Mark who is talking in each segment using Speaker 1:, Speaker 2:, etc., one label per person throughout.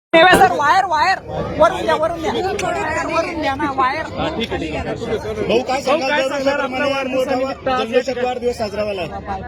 Speaker 1: Sir wire wire वरून द्या वरून द्या ना वायर.
Speaker 2: ठीक आहे. भाऊ काय सांगणार वाढदिवस साजरा झाला?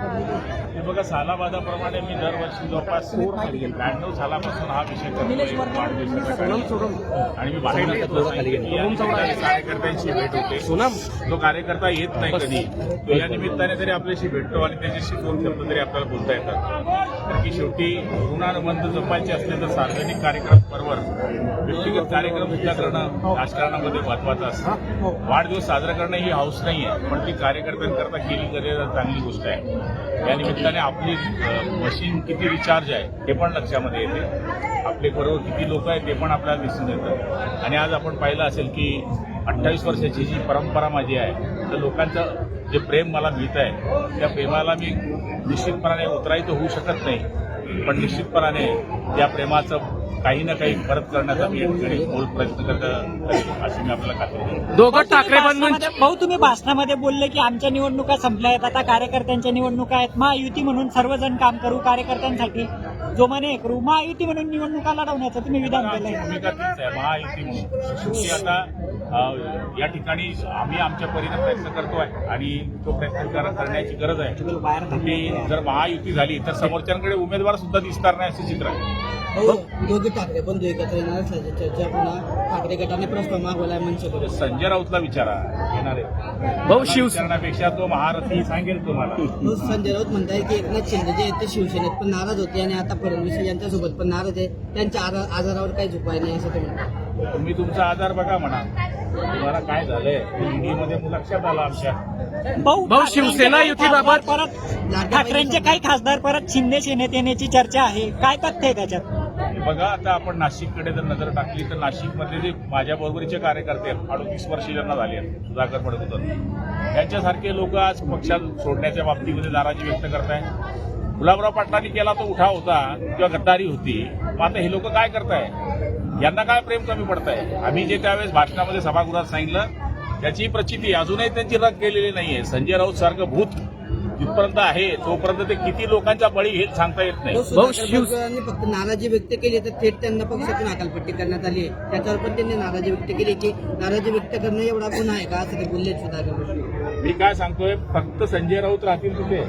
Speaker 3: हे बघा, सालाबादाप्रमाणे मी दरवर्षी जवळपास 92 सालापासून हा विषय करतो आणि मी बाहेर कार्यकर्त्यांशी भेट होते. तो कार्यकर्ता येत नाही कधी, तो या निमित्ताने तरी आपल्याशी भेटतो आणि त्याच्याशी 2 शब्द तरी आपल्याला बोलता येतात. तर की शेवटी ऋणानुबंध जपायचे असले तर सार्वजनिक कार्यक्रम बरोबर व्यक्तिगत कार्यक्रम सुद्धा करणं राजकारणामध्ये महत्वाचं असतं. वाढदिवस साजरा करणं ही हौस नाही आहे, पण ती कार्यकर्त्यांकरता केली तरी चांगली गोष्ट आहे. या निमित्ताने आपली मशीन किती रिचार्ज आहे हे पण लक्षामध्ये येते. आपले बरोबर किती लोक आहेत ते पण आपल्याला दिसून येतं. आणि आज आपण पाहिलं असेल की 28 वर्षाची जी परंपरा माझी आहे, तर लोकांचं जे प्रेम मला मिळत आहे त्या प्रेमाला मी निश्चितपणाने उतराई तर होऊ शकत नाही, पण निश्चितपणाने त्या प्रेमाचं काही ना काही परत करण्याचा मी मूळ प्रयत्न करत अशी मी आपल्याला खात्री देतो.
Speaker 1: दोघं ठाकरे भाऊ, तुम्ही भाषणामध्ये बोलले की आमच्या निवडणुका संपल्या आहेत, आता कार्यकर्त्यांच्या निवडणुका आहेत. महायुती म्हणून सर्वजण काम करू, कार्यकर्त्यांसाठी जोमाने करू, महायुती म्हणून निवडणुका लढवण्याचं तुम्ही विधान केलंय.
Speaker 3: भूमिका तीच आहे, महायुती म्हणून. शेवटी आता या ठिकाणी आम्ही आमच्या परीने प्रयत्न करतोय आणि तो प्रयत्न करण्याची गरज आहे. शेवटी जर महायुती झाली तर समोरच्यांकडे उमेदवार सुद्धा दिसणार नाही असं चित्र आहे.
Speaker 4: दोघे ठाकरे बंधू एकत्र येणार असल्याची चर्चा पुन्हा ठाकरे गटाने प्रस्ताव मागवलाय मनसे.
Speaker 3: संजय राऊतला विचारा, येणारे भाऊ शिवसेनेपेक्षा तो महारथी सांगेल तुम्हाला.
Speaker 4: संजय राऊत म्हणताय की एकनाथ शिंदे जे आहेत ते शिवसेनेत पण नाराज होते आणि आता फडणवीस यांच्यासोबत पण नाराज आहे, त्यांच्या आजारावर काही उपाय नाही असं ते म्हणतात.
Speaker 3: तुम्ही तुमचा आजार बघा म्हणा, तुम्हाला काय झालंय ईडीमध्ये लक्षात आलं आमच्या.
Speaker 1: भाऊ शिवसेना युतीबाबत परत ठाकरेंचे काही खासदार परत शिंदे सेनेत येण्याची चर्चा आहे, काय तथ्य आहे त्याच्यात?
Speaker 3: बघा, आता आपण नाशिककडे जर नजर टाकली तर नाशिकमधले जे माझ्या बरोबरीचे कार्यकर्ते आहेत, 38 वर्ष ज्यांना झाले आहेत, सुधाकर पडकुतर, यांच्यासारखे लोक आज पक्षात सोडण्याच्या बाबतीमध्ये नाराजी व्यक्त करताय. गुलाबराव पाटलांनी केला तो उठाव होता किंवा गद्दारी होती, मग आता हे लोक काय करताय? यांना काय प्रेम कमी पडतंय? आम्ही जे त्यावेळेस भाषणामध्ये सभागृहात सांगितलं त्याची प्रचिती अजूनही त्यांची रग गेलेली नाहीये. संजय राऊत सारखं भूत जिथपर्यंत आहे तोपर्यंत ते किती लोकांचा बळी हे सांगता येत नाही.
Speaker 4: शिवसेनेने फक्त नाराजी व्यक्त केली तर थेट त्यांना पक्षातून हकालपट्टी करण्यात आली आहे. त्याच्यावर पण त्यांनी नाराजी व्यक्त केली की नाराजी व्यक्त करणं एवढा गुन्हा आहे का असं ते बोलले सुधाकर.
Speaker 3: मी काय सांगतोय, फक्त संजय राऊत राहतील तिथे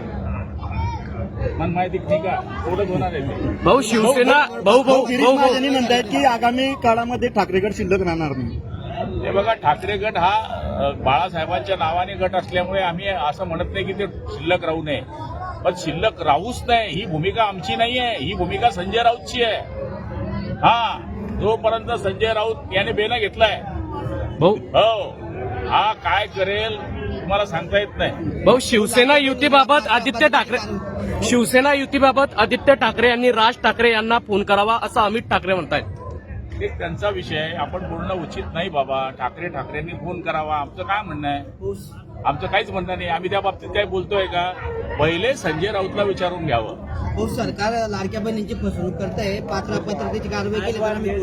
Speaker 3: मन माहिती ठीक आहे, थोडंच होणार आहे ते.
Speaker 2: भाऊ शिवसेना भाऊ म्हणतायत की आगामी काळामध्ये ठाकरे गट शिल्लक राहणार नाही.
Speaker 3: हे बघा, ठाकरे गट हा बाळासाहेबांच्या नावाने गट असल्यामुळे आम्ही असं म्हणत नाही की ते शिल्लक राहू नये, पण शिल्लक राहूच नाही ही भूमिका आमची नाही आहे, ही भूमिका संजय राऊतची आहे. हा, जोपर्यंत संजय राऊत याने बेना घेतलाय हो, हा काय करेल तुम्हाला सांगता येत नाही.
Speaker 5: भाऊ शिवसेना युतीबाबत आदित्य ठाकरे यांनी राज ठाकरे यांना फोन करावा असं अमित ठाकरे म्हणतायत.
Speaker 3: एक त्यांचा विषय आहे, आपण बोलणं उचित नाही बाबा. ठाकरेंनी फोन करावा आमचं काय म्हणणं आहे? आमचं काहीच म्हणणं नाही. आम्ही त्या बाबतीत काय बोलतोय का? पहिले संजय राऊतला विचारून घ्यावं.
Speaker 4: हो, सरकार लाडक्या बहिणींची फसवणूक करत आहे, पात्रतेची कारवाई केली तर आम्ही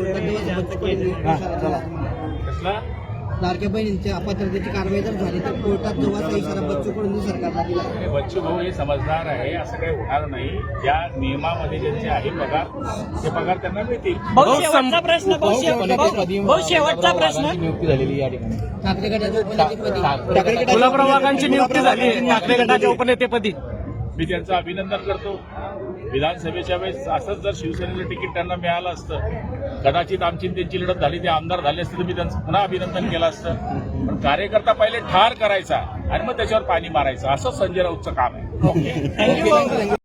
Speaker 3: कसला
Speaker 4: लाडक्या बहिणींच्या अपात्रतेची कारवाई जर झाली तर कोर्टात जवळचा इशारा बच्चू कडून सरकारला दिला.
Speaker 3: बच्चू भाऊ हे समजदार आहे, असं काही होणार नाही. ज्या नियमामध्ये ज्यांचे आहे पगार ते पगार त्यांना मिळतील.
Speaker 1: शेवटचा प्रश्न
Speaker 2: नियुक्ती झालेली या ठिकाणी
Speaker 4: ठाकरे गटाच्या
Speaker 5: गुलाबराव वाघांची नियुक्ती झाली ठाकरे गटाच्या उपनेतेपदी.
Speaker 3: मी त्यांचं अभिनंदन करतो. विधानसभेच्या वेळेस असंच जर शिवसेनेचं तिकीट त्यांना मिळालं असतं, कदाचित आमची त्यांची लढत झाली, ते आमदार झाले असते तर मी त्यांचं पुन्हा अभिनंदन केलं असतं. पण कार्यकर्ता पहिले ठार करायचा आणि मग त्याच्यावर पाणी मारायचं, असं संजय राऊतचं काम आहे.